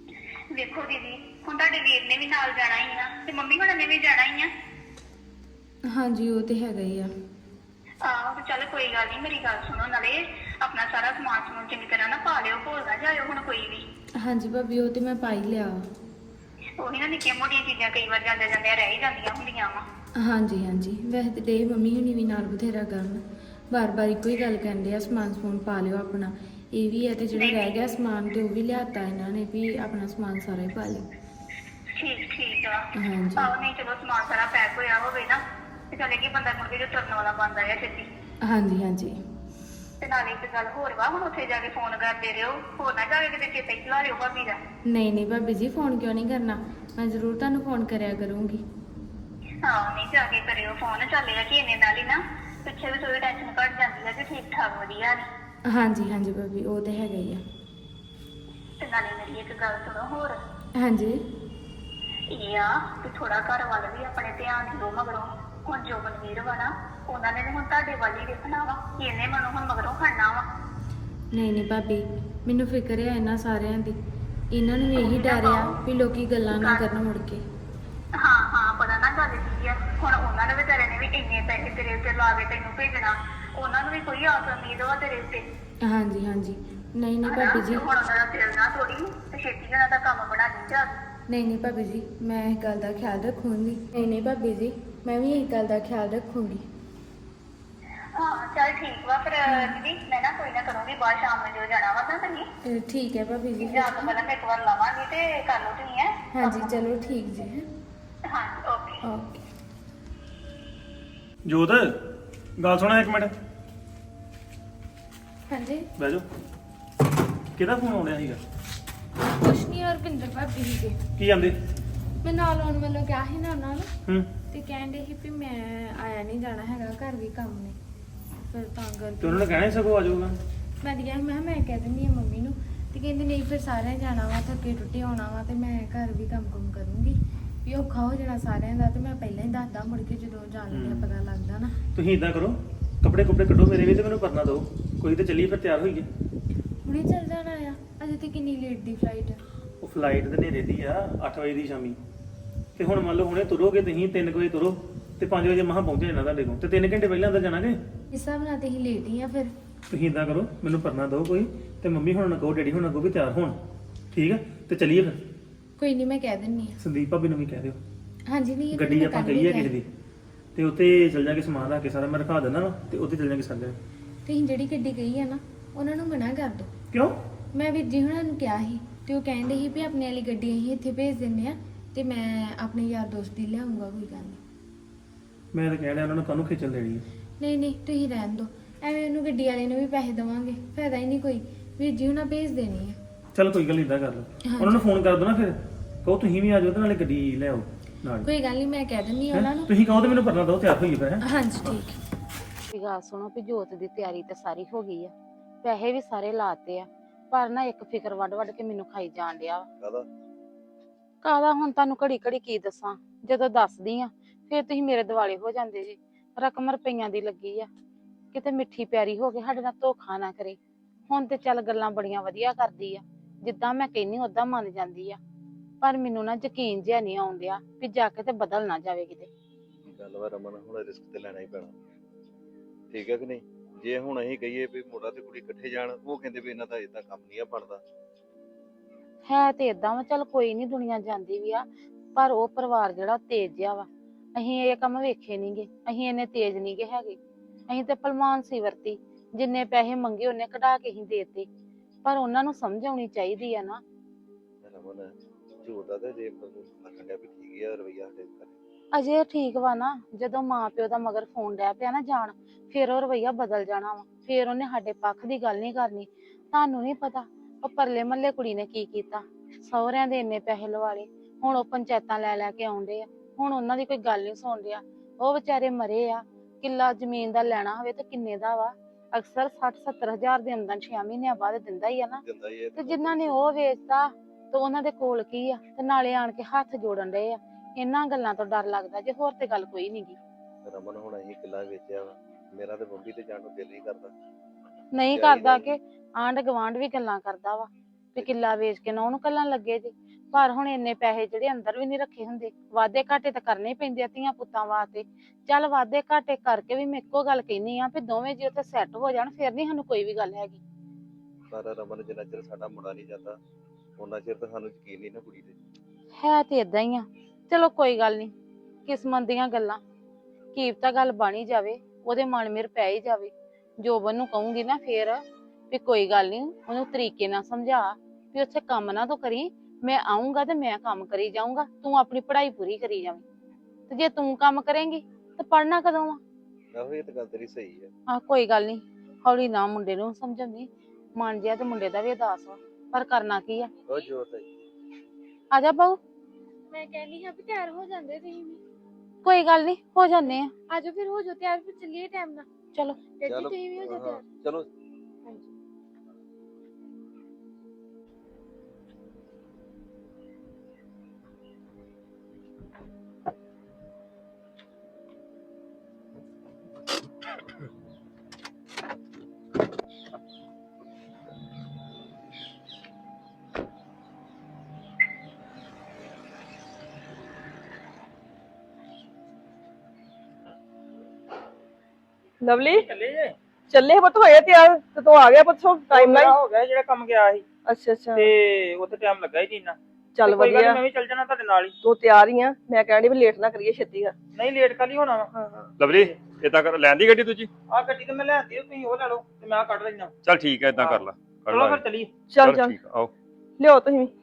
Speaker 5: ਵੇਖੋ ਦੀਦੀ, ਹੁਣ ਤੁਹਾਡੇ ਵੀਰ ਨੇ ਵੀ ਨਾਲ ਜਾਣਾ ਹੀ ਆ ਤੇ ਮੰਮੀ ਹੁਣਾਂ ਨੇ ਵੀ ਜਾਣਾ ਹੀ ਆ।
Speaker 4: ਹਾਂਜੀ ਉਹ ਤੇ ਹੈਗਾ ਹੀ ਆ।
Speaker 5: ਆਹੋ ਤੇ ਚੱਲ ਕੋਈ ਗੱਲ ਨਹੀਂ, ਮੇਰੀ ਗੱਲ ਸੁਣੋ, ਨਾਲੇ ਆਪਣਾ ਸਾਰਾ ਸਮਾਨ ਸਮੂਨ ਚੰਗੀ ਤਰ੍ਹਾਂ ਨਾ ਪਾ ਲਿਓ, ਭੁੱਲ ਨਾ ਜਾਇਓ ਹੁਣ ਕੋਈ ਵੀ।
Speaker 4: ਹਾਂਜੀ ਭਾਬੀ ਉਹ ਤੇ ਮੈਂ ਪਾ ਹੀ ਲਿਆ ਵਾ।
Speaker 5: ਉਹੀ ਨਾ, ਨਿੱਕੀਆਂ ਮੋਟੀਆਂ ਚੀਜ਼ਾਂ ਕਈ ਵਾਰ ਜਾਂਦੇ ਜਾਂਦੇ ਰਹਿ ਹੀ ਜਾਂਦੀਆਂ ਹੁੰਦੀਆਂ ਵਾ।
Speaker 4: ਹਾਂਜੀ ਹਾਂਜੀ ਵੈਸੇ ਤੇ ਡੇ ਮੰਮੀ ਹੁਣੀ ਵੀ ਨਾਲ ਬਥੇਰਾ ਕਰਨ, ਬਾਰ-ਬਾਰ ਇੱਕੋ ਹੀ ਗੱਲ ਕਹਿੰਦੇ ਆ ਸਮਾਨ ਸਮੂਨ ਪਾ ਲਿਓ ਆਪਣਾ। ਇਹ ਵੀ ਹੈ ਤੇ ਜਿਹੜਾ ਰਹਿ ਗਿਆ ਸਮਾਨ ਤੇ ਉਹ ਵੀ ਲਿਆਤਾ ਇਹਨਾਂ ਨੇ ਵੀ ਆਪਣਾ ਸਮਾਨ ਸਾਰਾ ਹੀ ਪਾ ਲਿਓ।
Speaker 5: ਠੀਕ ਠੀਕ ਆ।
Speaker 4: ਹਾਂਜੀ।
Speaker 5: ਆਹੋ ਨਹੀਂ ਚਲੋ ਸਮਾਨ ਸਾਰਾ ਪੈਕ ਹੋਇਆ ਹੋਵੇ ਨਾ ਤੇ ਚਲੇ ਕਿ ਬੰਦਾ ਮੁੜ ਕੇ ਜੋ ਤੁਰਨ ਵਾਲਾ ਬਣਦਾ ਹੈ ਛੇਤੀ।
Speaker 4: ਹਾਂਜੀ ਹਾਂਜੀ
Speaker 5: ਤੇ ਨਾਲੇ ਇੱਕ ਗੱਲ ਹੋਰ ਵਾ, ਹੁਣ ਉੱਥੇ ਜਾ ਕੇ ਫੋਨ ਕਰਦੇ ਰਹੋ, ਹੋਰ ਨਾ ਜਾਵੇ ਕਿਤੇ ਚੇਤਾ ਹੀ ਭੁਲਾ ਲਿਓ ਭਾਬੀ ਦਾ।
Speaker 4: ਨਹੀਂ ਨਹੀਂ ਭਾਬੀ ਜੀ ਫੋਨ ਕਿਉਂ ਨਹੀਂ ਕਰਨਾ, ਮੈਂ ਜ਼ਰੂਰ ਤੁਹਾਨੂੰ ਫੋਨ ਕਰਿਆ ਕਰੂੰਗੀ।
Speaker 5: ਹਾਂ ਨਹੀਂ ਜਾ ਕੇ ਕਰਿਓ ਫੋਨ, ਚੱਲਿਆ ਕਿ ਇਹਨੇ ਨਾਲ ਹੀ ਨਾ ਪਿੱਛੇ ਵੀ ਥੋੜੀ ਟੈਨਸ਼ਨ ਘੱਟ ਜਾਂਦੀ ਹੈ ਕਿ ਠੀਕ ਠਾਕ ਵਧੀਆ ਨੇ।
Speaker 4: ਹਾਂਜੀ ਹਾਂਜੀ ਭਾਬੀ ਉਹ ਤੇ ਹੈਗਾ ਹੀ ਆ।
Speaker 5: ਤੇ ਨਾਲੇ ਮੇਰੀ ਇੱਕ ਗੱਲ ਸੁਣੋ ਹੋਰ,
Speaker 4: ਹਾਂਜੀ
Speaker 5: ਇਹ ਆ ਕਿ ਥੋੜਾ ਘਰ ਵੱਲ ਵੀ ਆਪਣੇ ਧਿਆਨ ਦਿਓ ਮਗਰੋਂ। ਹੁਣ ਜੋ ਮਨਵੀਰ ਵਾ ਨਾ, ਉਹਨਾਂ ਨੇ ਵੀ ਹੁਣ ਤੁਹਾਡੇ ਵੱਲ ਹੀ ਦੇਖਣਾ ਵਾ ਕਿ ਇਹਨੇ ਮਨੋਂ ਹੁਣ ਮਗਰੋਂ ਖੜਨਾ ਵਾ।
Speaker 4: ਨਹੀਂ ਨਹੀਂ ਭਾਬੀ ਮੈਨੂੰ ਫਿਕਰ ਆ ਇਹਨਾਂ ਸਾਰਿਆਂ ਦੀ, ਇਹਨਾਂ ਨੂੰ ਵੀ ਇਹੀ ਡਰ ਆ ਵੀ ਲੋਕੀ ਗੱਲਾਂ ਨਾ ਕਰਨ ਮੁੜ ਕੇ।
Speaker 5: ਹਾਂ ਹਾਂ ਪਤਾ ਨਾ ਗੱਲ ਕੀ ਆ, ਹੁਣ ਉਹਨਾਂ ਨੇ ਵਿਚਾਰੇ ਨੇ ਵੀ ਇੰਨੇ ਪੈਸੇ ਤੇਰੇ ਉੱਤੇ ਲਾ ਕੇ ਤੈਨੂੰ ਭੇਜਣਾ, ਉਹਨਾਂ ਨੂੰ ਵੀ ਕੋਈ ਆਸ ਉਮੀਦ ਵਾ ਤੇਰੇ ਉੱਤੇ।
Speaker 4: ਹਾਂਜੀ ਹਾਂਜੀ ਨਹੀਂ ਨਹੀਂ ਭਾਬੀ ਜੀ,
Speaker 5: ਹੁਣ ਉਹਨਾਂ ਦਾ ਦਿਲ ਨਾ ਥੋੜੀ ਤੇ ਛੇਤੀ ਉਹਨਾਂ ਦਾ ਕੰਮ ਬਣਾ ਲਈ ਜਾ।
Speaker 4: ਨਹੀਂ ਨਹੀਂ ਭਾਬੀ ਜੀ ਮੈਂ ਇਸ ਗੱਲ ਦਾ ਖਿਆਲ ਰੱਖੂੰਗੀ। ਨਹੀਂ ਨਹੀਂ ਭਾਬੀ ਜੀ ਮੈਂ ਵੀ ਇਸ ਗੱਲ ਦਾ ਖਿਆਲ ਰੱਖੂੰਗੀ।
Speaker 5: ਹਾਂ ਚੱਲ ਠੀਕ ਵਾ ਫਿਰ ਦੀਦੀ, ਮੈਂ ਨਾ ਕੋਈ ਨਾ ਕਰੂੰਗੀ ਬਾਅਦ ਸ਼ਾਮ ਨੂੰ ਜੋ ਜਾਣਾ ਵਾ ਤਾਂ ਤੁਸੀਂ।
Speaker 4: ਅਹ ਠੀਕ ਹੈ ਭਾਬੀ ਜੀ।
Speaker 5: ਜਾਂ ਤੋਂ ਪਹਿਲਾਂ ਮੈਂ ਇੱਕ ਵਾਰ ਲਾਵਾਂਗੀ ਤੇ ਕਰ ਲਓ ਤੁਸੀਂ ਹੈ।
Speaker 4: ਹਾਂਜੀ ਚਲੋ ਠੀਕ ਜੀ।
Speaker 5: ਹਾਂ ਓਕੇ।
Speaker 4: ਓਕੇ
Speaker 1: ਜੋਤ ਗੱਲ ਸੁਣਾ ਇੱਕ ਮਿੰਟ,
Speaker 4: ਹਾਂਜੀ
Speaker 1: ਬਹਿ ਜਾਓ। ਕਿਹਦਾ ਫੋਨ ਆਉਣਿਆ ਸੀਗਾ?
Speaker 4: ਕੁਛ ਨਹੀਂ ਹਰਪਿੰਦਰ ਭਾਬੀ ਜੀ ਦੇ,
Speaker 1: ਕੀ ਜਾਂਦੇ?
Speaker 4: ਮੈਂ ਨਾਲ ਆਉਣ ਵੱਲੋਂ ਕਿਹਾ ਸੀ ਨਾ ਉਹਨਾਂ ਨੂੰ,
Speaker 1: ਹੂੰ
Speaker 4: ਤੇ ਕਹਿੰਦੇ ਸੀ ਵੀ ਮੈਂ ਆਇਆ ਨਹੀਂ ਜਾਣਾ ਹੈਗਾ, ਘਰ ਵੀ ਕੰਮ ਨੇ, ਫਿਰ ਤਾਂ
Speaker 1: ਤੇ
Speaker 4: ਕਰਕੇ
Speaker 1: ਉਹਨਾਂ ਨੇ ਕਹਿਣਾ ਸੀ ਸਗੋਂ ਆ ਜਾਊਗਾ।
Speaker 4: ਮੈਂ ਤਾਂ ਕਿਹਾ ਮੈਂ ਕਿਹਾ ਮੈਂ ਕਹਿ ਦਿੰਦੀ ਹਾਂ ਮੰਮੀ ਨੂੰ, ਤੇ ਕਹਿੰਦੀ ਨਹੀਂ ਫਿਰ ਸਾਰਿਆਂ ਜਾਣਾ ਵਾ, ਥੱਕੇ ਟੁੱਟੇ ਆਉਣਾ ਵਾ, ਤੇ ਮੈਂ ਘਰ ਵੀ ਕੰਮ ਕੁਮ ਕਰੂੰਗੀ ਵੀ ਔਖਾ ਹੋ ਜਾਣਾ ਸਾਰਿਆਂ ਦਾ, ਤੇ ਮੈਂ ਪਹਿਲਾਂ ਹੀ ਦੱਸਦਾ ਮੁੜ ਕੇ ਜਦੋਂ ਜਾਣ ਲੱਗਿਆ ਪਤਾ ਲੱਗਦਾ ਨਾ।
Speaker 1: ਤੁਸੀਂ ਇਦਾਂ ਕਰੋ, ਕੱਪੜੇ ਕੁਪੜੇ ਕੱਢੋ ਮੇਰੇ ਵੀ ਤੇ ਮੈਨੂੰ ਪਰਨਾ ਦਿਓ ਕੋਈ, ਤੇ ਚੱਲੀਏ ਫਿਰ ਤਿਆਰ ਹੋਈਏ।
Speaker 4: ਹੁਣੇ ਚੱਲ ਜਾਣਾ ਆ, ਅਜੇ ਤੇ ਕਿੰਨੀ ਲੇਟ ਦੀ ਫਲਾਈਟ ਆ।
Speaker 1: ਉਹ ਫਲਾਈਟ ਤੇ ਨੇਰੇ ਦੀ ਆ ਅੱਠ ਵਜੇ ਦੀ ਸ਼ਾਮੀ, ਤੇ ਹੁਣ ਮੰਨ ਲਓ ਹੁਣੇ ਤੁਰੋਗੇ ਤੁਸੀਂ ਤਿੰਨ ਵਜੇ ਤੁਰੋ ਤੇ ਪੰਜ ਵਜੇ ਮਹਾਂ ਪਹੁੰਚ ਜਾਣਾ ਤੁਹਾਡੇ ਕੋਲ, ਤੇ ਤਿੰਨ ਘੰਟੇ ਪਹਿਲਾਂ ਅੰਦਰ ਜਾਣਾਗੇ।
Speaker 4: ਇਸ ਹਿਸਾਬ ਨਾਲ ਤੇ ਅਸੀਂ ਲੇਟ ਹੀ ਆ ਫਿਰ।
Speaker 1: ਤੁਸੀਂ ਇਦਾਂ ਕਰੋ ਮੈਨੂੰ ਪਰਨਾ ਦਿਓ ਕੋਈ, ਤੇ ਮੰਮੀ ਹੁਣ ਨਾ ਕਹੋ ਡੈਡੀ ਹੁਣ ਅੱਗੋਂ ਵੀ ਤਿਆਰ ਹੋਣ, ਠੀਕ ਆ? ਤੇ ਚੱਲੀਏ ਫਿਰ।
Speaker 4: ਕੋਈ ਨਹੀਂ ਮੈਂ ਕਹਿ ਦਿੰਨੀ ਆ।
Speaker 1: ਸੰਦੀਪ ਭਾਬੀ ਨੂੰ ਵੀ ਕਹਿ ਦਿਓ,
Speaker 4: ਹਾਂਜੀ ਨਹੀਂ
Speaker 1: ਗੱਡੀ ਆਪਾਂ ਕਹੀ ਹੈ ਕਿਸੇ ਦੀ, ਤੇ ਉੱਥੇ ਚੱਲ ਜਾ ਕੇ ਸਮਾਨ ਰੱਖ ਕੇ ਸਾਰਾ ਮੈਂ ਰਖਾ ਦਿੰਦਾ ਵਾ, ਤੇ ਉੱਥੇ ਚੱਲ ਜਾਗੇ ਸਾਰੇ।
Speaker 4: ਤੁਸੀਂ ਜਿਹੜੀ ਗੱਡੀ ਕਹੀ ਆ ਨਾ ਉਹਨਾਂ ਨੂੰ ਮਨਾ ਕਰ ਦਿਓ।
Speaker 1: ਕਿਉਂ?
Speaker 4: ਮੈਂ ਵੀਰ ਜੀ ਹੁਣਾਂ ਨੂੰ ਕਿਹਾ ਸੀ ਤੇ ਉਹ ਕਹਿੰਦੇ ਸੀ ਵੀ ਆਪਣੇ ਵਾਲੀ ਗੱਡੀ ਅਸੀਂ ਇੱਥੇ ਭੇਜ ਦਿੰਦੇ ਆ, ਤੇ ਮੈਂ ਆਪਣੇ ਯਾਰ ਦੋਸਤ ਦੀ ਲਿਆਉਂਗਾ, ਕੋਈ ਗੱਲ ਨਹੀਂ।
Speaker 1: ਮੈਂ ਤਾਂ ਕਹਿ ਰਿਹਾ ਉਹਨਾਂ ਨੂੰ ਕਾਹਨੂੰ ਖੇਚਲ ਦੇਣੀ ਹੈ।
Speaker 4: ਨਹੀਂ ਨਹੀਂ ਤੁਸੀਂ ਰਹਿਣ ਦਿਓ, ਐਵੇਂ ਉਹਨੂੰ ਗੱਡੀ ਵਾਲੇ ਨੂੰ ਵੀ ਪੈਸੇ ਦੇਵਾਂਗੇ, ਫਾਇਦਾ ਹੀ ਨਹੀਂ ਕੋਈ। ਵੀਰ ਜੀ ਹੁਣਾਂ ਭੇਜ ਦੇਣੀ ਆ।
Speaker 1: ਚਲ ਕੋਈ ਗੱਲ ਨੀ, ਇਦਾਂ ਕਰ ਲਓ,
Speaker 4: ਹਾਂਜੀ।
Speaker 1: ਉਹਨਾਂ ਨੂੰ ਫੋਨ ਕਰ ਦੋ ਨਾ, ਫਿਰ ਕਹੋ ਤੁਸੀਂ ਵੀ ਆ ਜਾਓ ਤੇ ਨਾਲੇ ਗੱਡੀ ਲੈ ਆਓ ਨਾਲ।
Speaker 4: ਕੋਈ ਗੱਲ ਨਹੀਂ ਮੈਂ ਕਹਿ ਦਿੰਦੀ ਆ
Speaker 1: ਹੈਂ?
Speaker 4: ਉਹਨਾਂ ਨੂੰ।
Speaker 1: ਤੁਸੀਂ ਕਹੋ ਤੇ ਮੈਨੂੰ ਪਰਨਾ ਦਿਓ, ਤਿਆਰ ਹੋਈਏ ਫਿਰ। ਹੈਂ?
Speaker 4: ਹਾਂਜੀ ਠੀਕ।
Speaker 6: ਵੀ ਗੱਲ ਸੁਣੋ ਵੀ ਜੋਤ ਦੀ ਤਿਆਰੀ ਤੇ ਸਾਰੀ ਹੋ ਗਈ ਆ, ਪੈਸੇ ਵੀ ਸਾਰੇ ਲਾਤੇ ਆ, ਪਰ ਨਾ ਇੱਕ ਫਿਕਰ ਵੱਡ ਵੱਡ ਕੇ ਮੈਨੂੰ ਖਾਈ ਜਾਣ ਡਿਆ ਵਾ।
Speaker 7: ਕਾਹਦਾ?
Speaker 6: ਕਾਹਦਾ ਹੁਣ ਤੁਹਾਨੂੰ ਘੜੀ ਘੜੀ ਕੀ ਦੱਸਾਂ, ਜਦੋਂ ਦੱਸਦੀ ਆ ਫਿਰ ਤੁਸੀਂ ਮੇਰੇ ਦਿਵਾਲੇ ਹੋ ਜਾਂਦੇ ਜੀ। ਰਕਮ ਰੁਪਈਆਂ ਦੀ ਲੱਗੀ ਆ, ਕਿਤੇ ਮਿੱਠੀ ਪਿਆਰੀ ਹੋ ਕੇ ਸਾਡੇ ਨਾਲ ਧੋਖਾ ਨਾ ਕਰੇ। ਹੁਣ ਤੇ ਚੱਲ ਗੱਲਾਂ ਬੜੀਆਂ ਵਧੀਆ ਕਰਦੀ ਆ, ਜਿੱਦਾਂ ਮੈਂ ਕਹਿੰਨੀ ਓਦਾਂ ਮੰਨ ਜਾਂਦੀ ਆ, ਪਰ ਮੈਨੂੰ ਨਾ ਯਕੀਨ ਜਿਹਾ ਨਹੀਂ ਆਉਣ ਡਿਆ ਵੀ ਜਾ ਕੇ ਤੇ ਬਦਲ ਨਾ ਜਾਵੇ ਕਿਤੇ।
Speaker 7: ਗੱਲ ਵਾ ਰਮਨ, ਹੁਣ ਰਿਸਕ ਤੇ ਲੈਣਾ ਹੀ ਪੈਣਾ, ਠੀਕ ਹੈ ਕਿ ਨਹੀਂ? ਜੇ ਹੁਣ ਅਸੀਂ ਕਹੀਏ ਵੀ ਮੁੰਡਾ ਤੇ ਕੁੜੀ ਇਕੱਠੇ ਜਾਣ, ਉਹ ਕਹਿੰਦੇ ਵੀ ਇਹਨਾਂ ਦਾ ਏਦਾਂ ਕੰਮ ਨਹੀਂ ਆ ਬਣਦਾ।
Speaker 6: ਹੈ ਤੇ ਏਦਾਂ ਵਾ, ਚੱਲ ਕੋਈ ਨੀ ਦੁਨੀਆ ਜਾਂਦੀ ਵੀ ਆ, ਪਰ ਉਹ ਪਰਿਵਾਰ ਜਿਹੜਾ ਤੇਜ਼ ਜਿਹਾ ਵਾ। ਅਸੀਂ ਇਹ ਕੰਮ ਵੇਖੇ ਨਹੀਂਗੇ, ਅਸੀਂ ਇੰਨੇ ਤੇਜ਼ ਨਹੀਂਗੇ ਹੈਗੇ। ਅਸੀਂ ਤੇ ਭਲਮਾਨ ਸੀ ਵਰਤੀ, ਜਿੰਨੇ ਪੈਸੇ ਮੰਗੇ ਉਹਨੇ ਕਢਾ ਕੇ ਹੀ ਦੇਤੇ, ਪਰ ਉਹਨਾਂ ਨੂੰ ਸਮਝ ਆਉਣੀ ਚਾਹੀਦੀ ਆ ਨਾ।
Speaker 7: ਰਮਨ ਝੂਠ ਦਾ ਤੇ ਜੇ ਮੈਨੂੰ ਲੱਗਣ ਡਿਆ ਵੀ ਠੀਕ ਆ ਰਵਈਆ ਸਾਡੇ ਘਰੇ।
Speaker 6: ਅਜੇ ਠੀਕ ਵਾ ਨਾ, ਜਦੋਂ ਮਾਂ ਪਿਓ ਦਾ ਮਗਰ ਫੋਨ ਡੈ ਪਿਆ ਨਾ ਜਾਣ, ਫਿਰ ਉਹ ਰਵਈਆ ਬਦਲ ਜਾਣਾ ਵਾ, ਫਿਰ ਉਹਨੇ ਸਾਡੇ ਪੱਖ ਦੀ ਗੱਲ ਨਹੀਂ ਕਰਨੀ। ਤੁਹਾਨੂੰ ਨਹੀਂ ਪਤਾ ਉਹ ਪਰਲੇ ਮਹੱਲੇ ਕੁੜੀ ਨੇ ਕੀ ਕੀਤਾ, ਸਹੁਰਿਆਂ ਦੇ ਇੰਨੇ ਪੈਸੇ ਲਵਾ ਲਏ, ਹੁਣ ਉਹ ਪੰਚਾਇਤਾਂ ਲੈ ਲੈ ਕੇ ਆਉਂਦੇ ਆ, ਹੁਣ ਉਹਨਾਂ ਦੀ ਕੋਈ ਗੱਲ ਨਹੀਂ ਸੁਣ ਰਿਹਾ। ਉਹ ਵਿਚਾਰੇ ਮਰੇ ਆ, ਕਿੱਲਾ ਜ਼ਮੀਨ ਦਾ ਲੈਣਾ ਹੋਵੇ ਤੇ ਕਿੰਨੇ ਦਾ ਵਾ, ਅਕਸਰ ਸੱਠ ਸੱਤਰ ਹਜ਼ਾਰ ਦੇ ਅੰਦਰ ਛੇ ਮਹੀਨਿਆਂ ਬਾਅਦ ਦਿੰਦਾ ਹੀ ਆ ਨਾ।
Speaker 7: ਦਿੰਦਾ ਹੀ ਇਹ
Speaker 6: ਤੇ ਜਿਨ੍ਹਾਂ ਨੇ ਉਹ ਵੇਚਤਾ ਤੇ ਉਹਨਾਂ ਦੇ ਕੋਲ ਕੀ ਆ, ਤੇ ਨਾਲੇ ਆਣ ਕੇ ਹੱਥ ਜੋੜਨ ਡਏ ਆ। ਇਹਨਾਂ ਗੱਲਾਂ ਤੋਂ ਡਰ ਲੱਗਦਾ ਜੇ, ਹੋਰ ਤੇ ਗੱਲ ਕੋਈ ਨੀ ਗੀ।
Speaker 7: ਰਮਨ ਹੁਣ ਅਸੀਂ ਕਿੱਲਾ ਵੇਚਿਆ ਵਾ, ਮੇਰਾ ਤੇ ਬੰਬੀ ਤੇ ਜਾਣ ਨੂੰ ਦਿਲ ਨਹੀਂ ਕਰਦਾ।
Speaker 6: ਨਹੀਂ
Speaker 7: ਚਾਹੀਦਾ
Speaker 6: ਕਰਦਾ
Speaker 7: ਨੀ।
Speaker 6: ਕਿ ਆਂਢ ਗਵਾਂਢ ਵੀ ਗੱਲਾਂ ਕਰਦਾ ਵਾ ਵੀ ਕਿੱਲਾ ਵੇਚ ਕੇ ਨਾ ਉਹਨੂੰ ਕੱਲਣ ਲੱਗੇ ਜੇ। ਪਰ ਹੁਣ ਇੰਨੇ ਪੈਸੇ ਜਿਹੜੇ ਅੰਦਰ ਵੀ ਨਹੀਂ ਰੱਖੇ ਹੁੰਦੇ, ਵਾਧੇ ਘਾਟੇ ਤਾਂ ਕਰਨੇ ਹੀ ਪੈਂਦੇ ਆ ਧੀਆਂ ਪੁੱਤਾਂ ਵਾਸਤੇ। ਚੱਲ ਵਾਧੇ ਘਾਟੇ ਕਰਕੇ ਵੀ ਮੈਂ ਇੱਕੋ ਗੱਲ ਕਹਿੰਦੀ ਆ ਵੀ ਦੋਵੇਂ ਜੀ ਉੱਥੇ ਸੈੱਟ ਹੋ ਜਾਣ, ਫਿਰ ਨਹੀਂ ਸਾਨੂੰ ਕੋਈ ਵੀ ਗੱਲ ਹੈਗੀ।
Speaker 7: ਪਰ ਰਮਨ ਜਿੰਨਾ ਚਿਰ ਸਾਡਾ ਮੁੰਡਾ ਨਹੀਂ ਜਾਂਦਾ ਉਹਨਾਂ ਚਿਰ ਤਾਂ ਸਾਨੂੰ ਯਕੀਨ ਨਹੀਂ ਨਾ ਕੁੜੀ ਤੇ।
Speaker 6: ਹੈ ਤੇ ਇਦਾਂ ਹੀ ਆ। ਚਲੋ ਕੋਈ ਗੱਲ ਨਹੀਂ, ਕਿਸਮਤ ਦੀਆਂ ਗੱਲਾਂ, ਕੀਪ ਤਾਂ ਗੱਲ ਬਣੀ ਜਾਵੇ, ਉਹਦੇ ਮਨ ਮੇਰ ਪੈ ਹੀ ਜਾਵੇ। ਜੋਬਨ ਨੂੰ ਕਹੂੰਗੀ ਨਾ ਫੇਰ ਵੀ ਕੋਈ ਗੱਲ ਨਹੀਂ, ਉਹਨੂੰ ਤਰੀਕੇ ਨਾਲ ਸਮਝਾ ਵੀ ਉੱਥੇ ਕੰਮ ਨਾ ਤੂੰ ਕਰੀ, ਮੈਂ ਆਉਂਗਾ ਤੇ ਮੈਂ ਕੰਮ ਕਰੀ ਜਾਊਂਗਾ, ਤੂੰ ਆਪਣੀ ਪੜ੍ਹਾਈ ਪੂਰੀ ਕਰੀ ਜਾਵੇਂ। ਤੇ ਜੇ ਤੂੰ ਕੰਮ ਕਰੇਂਗੀ ਤਾਂ ਪੜ੍ਹਨਾ ਕਦੋਂ ਆ?
Speaker 7: ਆਹੋ ਇਹ ਤਾਂ ਗੱਲ ਤੇਰੀ ਸਹੀ ਹੈ।
Speaker 6: ਆ ਕੋਈ ਗੱਲ ਨਹੀਂ, ਹੌਲੀ ਨਾ ਮੁੰਡੇ ਨੂੰ ਸਮਝਾਉਂਦੀ, ਮਨ ਜਿਆ ਤੇ ਮੁੰਡੇ ਦਾ ਵੀ ਉਦਾਸ ਵਾ, ਪਰ ਕਰਨਾ ਕੀ ਆ।
Speaker 7: ਉਹ ਜੋਰ ਤੇ
Speaker 6: ਆ ਜਾ ਬਾਊ।
Speaker 4: ਮੈਂ ਕਹਿੰਦੀ ਹਾਂ ਵੀ ਤਿਆਰ ਹੋ ਜਾਂਦੇ ਤੁਸੀਂ ਵੀ।
Speaker 6: ਕੋਈ ਗੱਲ ਨਹੀਂ, ਹੋ ਜਾਂਦੇ ਆ।
Speaker 4: ਆਜੋ ਫਿਰ ਹੋ ਜਾਓ ਤਿਆਰ, ਫਿਰ ਚੱਲੀਏ ਟਾਈਮ ਨਾਲ।
Speaker 6: ਚਲੋ
Speaker 4: ਡੈਡੀ
Speaker 7: ਚਲੋ
Speaker 4: ਤੁਸੀਂ ਵੀ ਹੋ ਜਾਓ
Speaker 7: ਹਾਂ,
Speaker 4: ਤਿਆਰ।
Speaker 7: ਚਲੋ
Speaker 4: ਹਾਂਜੀ।
Speaker 2: ਲਵਲੀ
Speaker 8: ਚੱਲੇ ਜੇ
Speaker 2: ਚੱਲੇ ਪੁੱਤ ਹੋਏ ਤਿਆਰ ਤੇ ਤੂੰ ਆ ਗਿਆ ਪੁੱਤ ਟਾਈਮ ਨਾਲ।
Speaker 8: ਹੋ ਗਿਆ ਜਿਹੜਾ ਕੰਮ ਗਿਆ ਸੀ
Speaker 2: ਅੱਛਾ ਅੱਛਾ
Speaker 8: ਤੇ ਉੱਥੇ ਟਾਈਮ ਲੱਗਾ ਹੀ ਨਹੀਂ ਇੰਨਾ।
Speaker 2: ਚੱਲ
Speaker 8: ਤੇ ਕੋਈ ਗੱਲ ਨੀ,
Speaker 2: ਵਧੀਆ,
Speaker 8: ਮੈਂ ਵੀ ਚੱਲ ਜਾਣਾ ਤੁਹਾਡੇ ਨਾਲ ਹੀ।
Speaker 2: ਤੂੰ ਤਿਆਰ ਹੀ ਆ। ਮੈਂ ਕਹਿਣੀ ਵੀ ਲੇਟ ਨਾ ਕਰੀਏ, ਛੇਤੀ ਆ।
Speaker 8: ਨਹੀਂ ਲੇਟ ਕਾਲੀ ਹੋਣਾ ਵਾ।
Speaker 2: ਹਾਂ ਹਾਂ
Speaker 9: ਲਵਲੀ ਇਦਾਂ ਕਰ, ਲੈਣ ਦੀ ਗੱਡੀ ਦੂਜੀ?
Speaker 8: ਆਹ ਗੱਡੀ ਤੇ ਮੈਂ ਲੈਂਦੀ ਤੁਸੀਂ ਉਹ ਲੈ ਲਓ ਤੇ ਮੈਂ ਆਹ ਕੱਢ ਲੈਣਾ।
Speaker 9: ਚੱਲ ਠੀਕ ਹੈ, ਇਦਾਂ ਕਰ ਲਾ ਕਰ
Speaker 8: ਚਲੋ
Speaker 9: ਲਾ
Speaker 8: ਫਿਰ ਚੱਲੀਏ।
Speaker 2: ਚੱਲ ਚੱਲ
Speaker 9: ਠੀਕ ਆ, ਆਓ।
Speaker 2: ਲਿਓ ਤੁਸੀਂ ਵੀ।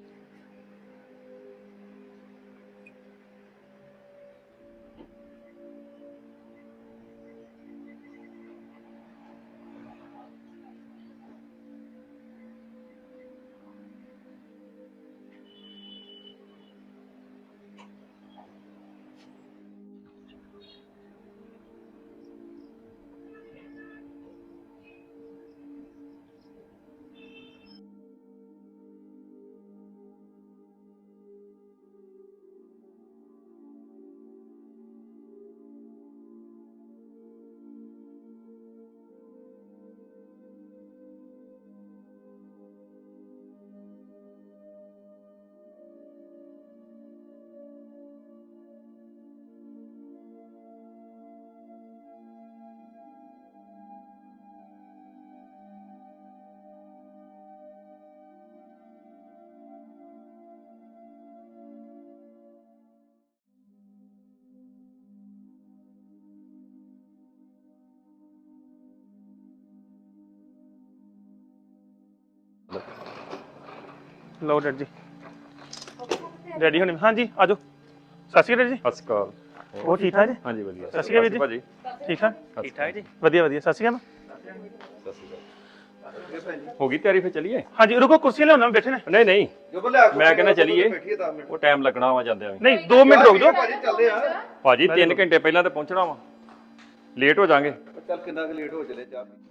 Speaker 1: ਲਓ ਡੈਡੀ ਜੀ। ਡੈਡੀ ਹੁਣੀ ਹਾਂਜੀ ਆਜੋ। ਸਤਿ ਸ਼੍ਰੀ ਅਕਾਲ ਜੀ।
Speaker 9: ਸਤਿ ਸ਼੍ਰੀ ਅਕਾਲ।
Speaker 1: ਹੋਰ ਠੀਕ ਠਾਕ ਜੀ?
Speaker 9: ਹਾਂਜੀ ਵਧੀਆ।
Speaker 1: ਸਤਿ ਸ਼੍ਰੀ ਅਕਾਲ ਵੀਰ ਜੀ।
Speaker 9: ਭਾਜੀ।
Speaker 1: ਠੀਕ ਠਾਕ
Speaker 8: ਠੀਕ ਠਾਕ ਜੀ।
Speaker 1: ਵਧੀਆ ਵਧੀਆ। ਸਤਿ ਸ਼੍ਰੀ ਅਕਾਲ।
Speaker 7: ਸਤਿ ਸ਼੍ਰੀ ਅਕਾਲ।
Speaker 9: ਹੋ ਗਈ ਤਿਆਰੀ, ਫਿਰ ਚੱਲੀਏ?
Speaker 1: ਹਾਂਜੀ ਰੁਕੋ, ਕੁਰਸੀ ਲਿਆਉਣਾ, ਬੈਠੇ ਨੇ।
Speaker 9: ਨਹੀਂ ਨਹੀਂ,
Speaker 7: ਜੋ ਬੋਲਿਆ
Speaker 9: ਮੈਂ ਕਹਿੰਦਾ ਚੱਲੀਏ,
Speaker 7: ਬੈਠੀਏ ਦਸ ਮਿੰਟ।
Speaker 9: ਉਹ ਟਾਈਮ ਲੱਗਣਾ ਵਾ ਜਾਂਦਿਆਂ ਵੀ।
Speaker 1: ਨਹੀਂ ਦੋ ਮਿੰਟ ਰੁਕ ਜਾਓ
Speaker 7: ਭਾਜੀ ਚੱਲਦੇ ਆ।
Speaker 9: ਭਾਜੀ ਤਿੰਨ ਘੰਟੇ ਪਹਿਲਾਂ ਤਾਂ ਪਹੁੰਚਣਾ ਵਾ, ਲੇਟ ਹੋ ਜਾਾਂਗੇ।
Speaker 7: ਚੱਲ ਕਿੰਨਾ ਕੁ ਲੇਟ ਹੋ ਚਲੇ ਚਾਹ ਪੀ।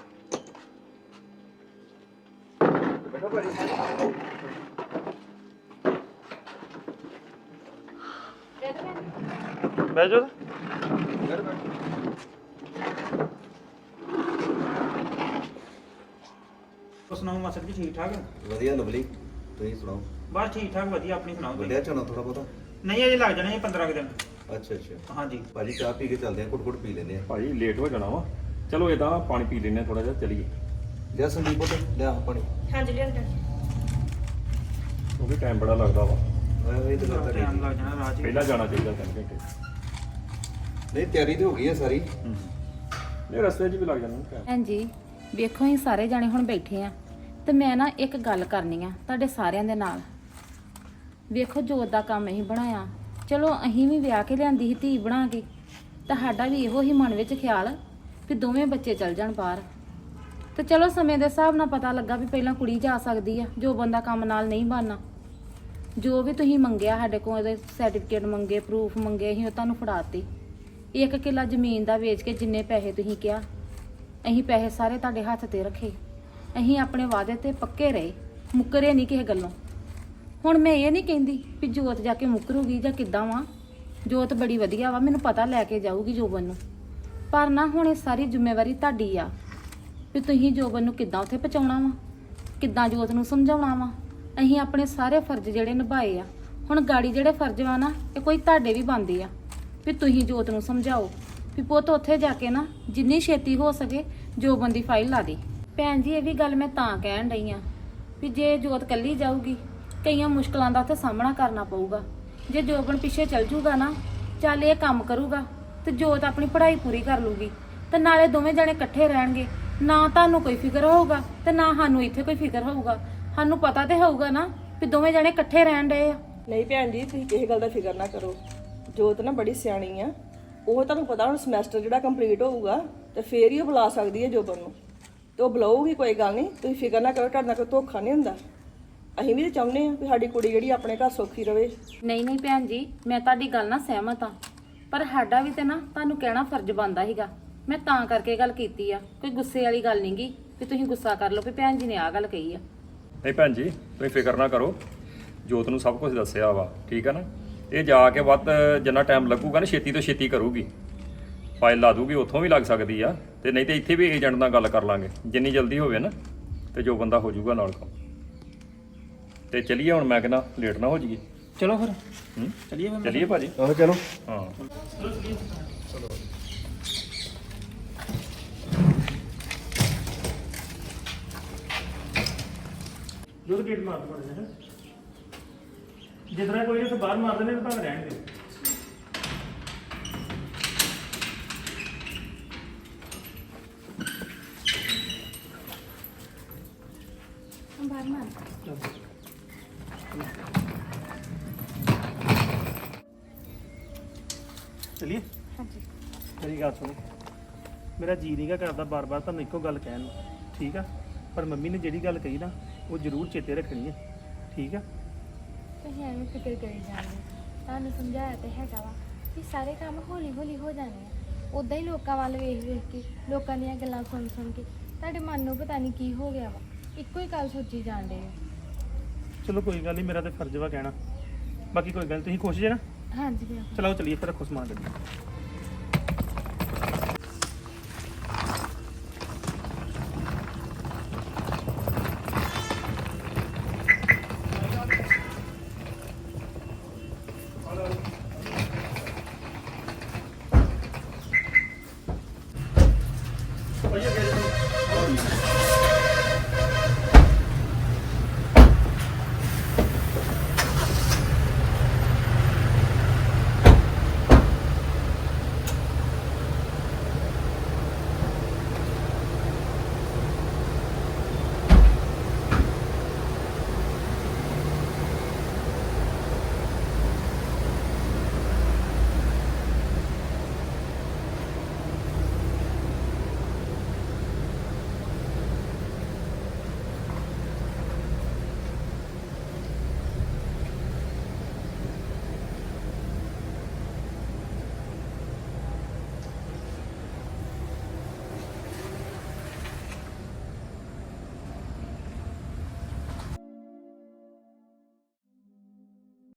Speaker 7: ਬੈਠੋ ਭਾਜੀ।
Speaker 1: ਬਹਿ ਜਾਓ।
Speaker 7: ਬੈਠੋ ਬੈਠੋ।
Speaker 8: ਹੋਰ ਸੁਣਾਓ ਮਾਸਟਰ ਜੀ, ਠੀਕ ਠਾਕ?
Speaker 7: ਵਧੀਆ ਲਵਲੀ, ਤੁਸੀਂ ਸੁਣਾਓ?
Speaker 8: ਬਸ ਠੀਕ ਠਾਕ ਵਧੀਆ, ਆਪਣੀ ਸੁਣਾਓ ਤੁਸੀਂ?
Speaker 7: ਵੱਡਿਆ ਝੋਨਾ ਥੋੜਾ ਬਹੁਤਾ?
Speaker 8: ਨਹੀਂ ਅਜੇ ਲੱਗ ਜਾਣੇ ਪੰਦਰਾਂ ਕੁ ਦਿਨ।
Speaker 7: ਅੱਛਾ ਅੱਛਾ।
Speaker 8: ਹਾਂਜੀ
Speaker 7: ਭਾਜੀ ਚਾਹ ਪੀ ਕੇ ਚੱਲਦੇ ਆ, ਘੁੱਟ ਘੁੱਟ ਪੀ ਲੈਂਦੇ ਆ।
Speaker 9: ਭਾਜੀ ਲੇਟ ਹੋ ਜਾਣਾ ਵਾ, ਚਲੋ ਇਦਾਂ ਪਾਣੀ ਪੀ ਲੈਂਦੇ ਥੋੜਾ ਜਿਹਾ, ਚੱਲੀਏ।
Speaker 7: ਲਿਆ ਸੰਦੀਪ ਪੁੱਤ ਲਿਆ ਪਾਣੀ।
Speaker 4: ਹਾਂਜੀ ਲਿਆਂਦਾ।
Speaker 9: ਉਹ ਵੀ ਟਾਈਮ ਬੜਾ ਲੱਗਦਾ ਵਾ,
Speaker 7: ਇਹ ਤਾਂ ਗੱਲ
Speaker 8: ਟਾਈਮ
Speaker 7: ਤੁਹਾਡੀ
Speaker 8: ਲੱਗ ਜਾਣਾ ਰਾਜ ਹੀ।
Speaker 9: ਪਹਿਲਾਂ ਜਾਣਾ ਚਾਹੀਦਾ ਤਿੰਨ ਘੰਟੇ।
Speaker 7: ਨਹੀਂ ਤਿਆਰੀ ਤੇ ਹੋ ਗਈ ਹੈ ਸਾਰੀ।
Speaker 9: ਇਹ ਰਸਤੇ 'ਚ ਵੀ ਲੱਗ ਜਾਣਾ ਟਾਈਮ।
Speaker 6: ਭੈਣ ਜੀ ਵੇਖੋ ਅਸੀਂ ਸਾਰੇ ਜਾਣੇ ਹੁਣ ਬੈਠੇ ਆ ਤੇ ਮੈਂ ਨਾ ਇੱਕ ਗੱਲ ਕਰਨੀ ਆ ਤੁਹਾਡੇ ਸਾਰਿਆਂ ਦੇ ਨਾਲ। ਵੇਖੋ ਜੋਤ ਦਾ ਕੰਮ ਅਸੀਂ ਬਣਾਇਆ, ਚਲੋ ਅਸੀਂ ਵੀ ਵਿਆਹ ਕੇ ਲਿਆਂਦੀ ਸੀ ਧੀ ਬਣਾ ਕੇ, ਤੁਹਾਡਾ ਵੀ ਇਹੋ ਹੀ ਮਨ ਵਿੱਚ ਖਿਆਲ ਵੀ ਦੋਵੇਂ ਬੱਚੇ ਚੱਲ ਜਾਣ ਬਾਹਰ। ਤੇ ਚਲੋ ਸਮੇਂ ਦੇ ਹਿਸਾਬ ਨਾਲ ਪਤਾ ਲੱਗਾ ਵੀ ਪਹਿਲਾਂ ਕੁੜੀ ਜਾ ਸਕਦੀ ਆ, ਜੋ ਬੰਦਾ ਕੰਮ ਨਾਲ ਨਹੀਂ ਬਣਨਾ। ਜੋ ਵੀ ਤੁਸੀਂ ਮੰਗਿਆ ਸਾਡੇ ਕੋਲ, ਇਹਦੇ ਸਰਟੀਫਿਕੇਟ ਮੰਗੇ, ਪ੍ਰੂਫ ਮੰਗੇ, ਅਸੀਂ ਉਹ ਤੁਹਾਨੂੰ ਫੜਾਤੇ। ਇੱਕ ਕਿੱਲਾ ਜ਼ਮੀਨ ਦਾ ਵੇਚ ਕੇ ਜਿੰਨੇ ਪੈਸੇ ਤੁਸੀਂ ਕਿਹਾ, ਅਸੀਂ ਪੈਸੇ ਸਾਰੇ ਤੁਹਾਡੇ ਹੱਥ ਤੇ ਰੱਖੇ। ਅਸੀਂ ਆਪਣੇ ਵਾਅਦੇ ਤੇ ਪੱਕੇ ਰਹੇ, ਮੁੱਕਰੇ ਨਹੀਂ ਕਿਸੇ ਗੱਲੋਂ। ਹੁਣ ਮੈਂ ਇਹ ਨਹੀਂ ਕਹਿੰਦੀ ਵੀ ਜੋਤ ਜਾ ਕੇ ਮੁੱਕਰੂਗੀ ਜਾਂ ਕਿੱਦਾਂ ਵਾ, ਜੋਤ ਬੜੀ ਵਧੀਆ ਵਾ, ਮੈਨੂੰ ਪਤਾ ਲੈ ਕੇ ਜਾਊਗੀ ਜੋਬਨ ਨੂੰ। ਪਰ ਨਾ ਹੁਣ ਇਹ ਸਾਰੀ ਜ਼ਿੰਮੇਵਾਰੀ ਤੁਹਾਡੀ ਆ ਵੀ ਤੁਸੀਂ ਜੋਬਨ ਨੂੰ ਕਿੱਦਾਂ ਉੱਥੇ ਪਹੁੰਚਾਉਣਾ ਵਾ, ਕਿੱਦਾਂ ਜੋਤ ਨੂੰ ਸਮਝਾਉਣਾ ਵਾ, ਅਸੀਂ ਆਪਣੇ ਸਾਰੇ ਫਰਜ਼ ਜਿਹੜੇ ਨਿਭਾਏ ਆ, ਹੁਣ ਗਾੜੀ ਜਿਹੜੇ ਫਰਜ਼ ਵਾ ਨਾ ਇਹ ਕੋਈ ਤੁਹਾਡੇ ਵੀ ਬਣਦੇ ਆ ਵੀ ਤੁਸੀਂ ਜੋਤ ਨੂੰ ਸਮਝਾਓ ਵੀ ਪੁੱਤ ਉੱਥੇ ਜਾ ਕੇ ਨਾ ਜਿੰਨੀ ਛੇਤੀ ਹੋ ਸਕੇ ਜੋ ਬੰਦੀ ਫਾਈਲ ਲਾ ਦੇ। ਭੈਣ ਜੀ ਇਹ ਵੀ ਗੱਲ ਮੈਂ ਤਾਂ ਕਹਿਣ ਡਈ ਆ ਵੀ ਜੇ ਜੋਤ ਕੱਲੀ ਜਾਊਗੀ ਕਈਆਂ ਮੁਸ਼ਕਲਾਂ ਦਾ ਉੱਥੇ ਸਾਹਮਣਾ ਕਰਨਾ ਪਊਗਾ। ਜੇ ਜੋਬਨ ਪਿੱਛੇ ਚੱਲ ਜੂਗਾ ਨਾ, ਚੱਲ ਇਹ ਕੰਮ ਕਰੂਗਾ ਤੇ ਜੋਤ ਆਪਣੀ ਪੜ੍ਹਾਈ ਪੂਰੀ ਕਰ ਲੂਗੀ ਤੇ ਨਾਲੇ ਦੋਵੇਂ ਜਣੇ ਇਕੱਠੇ ਰਹਿਣਗੇ। ਨਾ ਤੁਹਾਨੂੰ ਕੋਈ ਫਿਕਰ ਹੋਊਗਾ ਤੇ ਨਾ ਸਾਨੂੰ ਇੱਥੇ ਕੋਈ ਫਿਕਰ ਹੋਊਗਾ। ਸਾਨੂੰ ਪਤਾ ਤੇ ਹੋਊਗਾ ਨਾ ਵੀ ਦੋਵੇਂ ਜਣੇ ਇਕੱਠੇ ਰਹਿਣ ਡਏ ਆ।
Speaker 2: ਨਹੀਂ ਭੈਣ ਜੀ, ਤੁਸੀਂ ਕਿਸੇ ਗੱਲ ਦਾ ਫਿਕਰ ਨਾ ਕਰੋ। ਜੋਤ ਨਾ ਬੜੀ ਸਿਆਣੀ ਆ, ਉਹ ਤੁਹਾਨੂੰ ਪਤਾ ਹੁਣ ਸਮੈਸਟਰ ਜਿਹੜਾ ਕੰਪਲੀਟ ਹੋਊਗਾ ਤੇ ਫੇਰ ਹੀ ਉਹ ਬੁਲਾ ਸਕਦੀ ਹੈ ਜੋਬਨ ਨੂੰ, ਤੇ ਉਹ ਬੁਲਾਊਗੀ, ਕੋਈ ਗੱਲ ਨਹੀਂ, ਤੁਸੀਂ ਫਿਕਰ ਨਾ ਕਰੋ। ਤੁਹਾਡੇ ਨਾਲ ਕੋਈ ਧੋਖਾ ਨਹੀਂ ਹੁੰਦਾ। ਅਸੀਂ ਵੀ ਤਾਂ ਚਾਹੁੰਦੇ ਹਾਂ ਵੀ ਸਾਡੀ ਕੁੜੀ ਜਿਹੜੀ ਆਪਣੇ ਘਰ ਸੌਖੀ ਰਵੇ।
Speaker 6: ਨਹੀਂ ਨਹੀਂ ਭੈਣ ਜੀ, ਮੈਂ ਤੁਹਾਡੀ ਗੱਲ ਨਾਲ ਸਹਿਮਤ ਆ, ਪਰ ਸਾਡਾ ਵੀ ਤੇ ਨਾ ਤੁਹਾਨੂੰ ਕਹਿਣਾ ਫਰਜ਼ ਬਣਦਾ ਸੀਗਾ। ਮੈਂ ਤਾਂ ਕਰਕੇ ਗੱਲ ਕੀਤੀ ਆ, ਕੋਈ ਗੁੱਸੇ ਵਾਲੀ ਗੱਲ ਨਹੀਂ ਗੀ ਵੀ ਤੁਸੀਂ ਗੁੱਸਾ ਕਰ ਲਓ ਵੀ ਭੈਣ ਜੀ ਨੇ ਆਹ ਗੱਲ ਕਹੀ ਆ।
Speaker 9: ਨਹੀਂ ਭੈਣ ਜੀ ਤੁਸੀਂ ਫਿਕਰ ਨਾ ਕਰੋ, ਜੋਤ ਨੂੰ ਸਭ ਕੁਝ ਦੱਸਿਆ ਵਾ, ਠੀਕ ਆ ਨਾ। ਇਹ ਜਾ ਕੇ ਵੱਧ ਜਿੰਨਾ ਟਾਈਮ ਲੱਗੂਗਾ ਨਾ ਛੇਤੀ ਤੋਂ ਛੇਤੀ ਕਰੂਗੀ, ਫਾਈਲ ਲਾ ਦੂਗੀ, ਉੱਥੋਂ ਵੀ ਲੱਗ ਸਕਦੀ ਆ, ਤੇ ਨਹੀਂ ਤੇ ਇੱਥੇ ਵੀ ਏਜੰਟ ਨਾਲ ਗੱਲ ਕਰ ਲਾਂਗੇ ਜਿੰਨੀ ਜਲਦੀ ਹੋਵੇ ਨਾ, ਤੇ ਜੋ ਬੰਦਾ ਹੋ ਜਾਊਗਾ ਨਾਲ ਕੰਮ। ਤੇ ਚਲੀਏ ਹੁਣ, ਮੈਂ ਕਹਿੰਦਾ ਲੇਟ ਨਾ ਹੋ ਜਾਈਏ।
Speaker 8: ਚਲੋ ਫਿਰ
Speaker 9: ਹੂੰ
Speaker 8: ਚਲੀਏ ਫਿਰ।
Speaker 9: ਚਲੀਏ ਭਾਜੀ।
Speaker 7: ਆਹੋ ਚਲੋ।
Speaker 9: ਹਾਂ
Speaker 1: ਜਦੋਂ ਗੇਟ ਮਾਰ ਪੜੇ ਹੈ ਜਿੱਦਾਂ ਕੋਈ ਉੱਥੇ ਬਾਹਰ ਮਾਰ ਦਿੰਦੇ ਤਾਂ ਭਾਵੇਂ ਰਹਿਣ ਦਿਓ।
Speaker 4: ਬਾਹਰ ਮਾਰ।
Speaker 1: ਚਲਿਏ।
Speaker 4: ਹਾਂਜੀ
Speaker 1: ਮੇਰੀ ਗੱਲ ਸੁਣੋ, ਮੇਰਾ ਜੀ ਨਹੀਂਗਾ ਕਰਦਾ ਬਾਰ-ਬਾਰ ਤੁਹਾਨੂੰ ਇੱਕੋ ਗੱਲ ਕਹਿਣ ਨੂੰ, ਠੀਕ ਆ, ਪਰ ਮੰਮੀ ਨੇ ਜਿਹੜੀ ਗੱਲ ਕਹੀ ਨਾ ਉਹ ਜ਼ਰੂਰ ਚੇਤੇ ਰੱਖਣੀ ਹੈ, ਠੀਕ ਆ।
Speaker 4: ਤੁਸੀਂ ਐਵੇਂ ਫਿਕਰ ਕਰੀ ਜਾਂਦੇ, ਤੁਹਾਨੂੰ ਸਮਝਾਇਆ ਤੇ ਹੈਗਾ ਵਾ ਕਿ ਸਾਰੇ ਕੰਮ ਹੌਲੀ ਹੌਲੀ ਹੋ ਜਾਣੇ ਆ। ਉਦਾਂ ਹੀ ਲੋਕਾਂ ਵੱਲ ਵੇਖ ਵੇਖ ਕੇ, ਲੋਕਾਂ ਦੀਆਂ ਗੱਲਾਂ ਸੁਣ ਸੁਣ ਕੇ ਤੁਹਾਡੇ ਮਨ ਨੂੰ ਪਤਾ ਨਹੀਂ ਕੀ ਹੋ ਗਿਆ ਵਾ, ਇੱਕੋ ਹੀ ਗੱਲ ਸੋਚੀ ਜਾਂਦੇ ਆ।
Speaker 1: ਚਲੋ ਕੋਈ ਗੱਲ ਨਹੀਂ, ਮੇਰਾ ਤੇ ਫਰਜ਼ ਵਾ ਕਹਿਣਾ, ਬਾਕੀ ਕੋਈ ਗੱਲ ਨੀ, ਤੁਸੀਂ ਖੁਸ਼ ਜੇ ਨਾ।
Speaker 4: ਹਾਂਜੀ ਬਿਲਕੁਲ।
Speaker 1: ਚਲੋ ਚਲੀਏ ਫਿਰ, ਰੱਖੋ ਸਮਾਨ ਗੱਡੀ।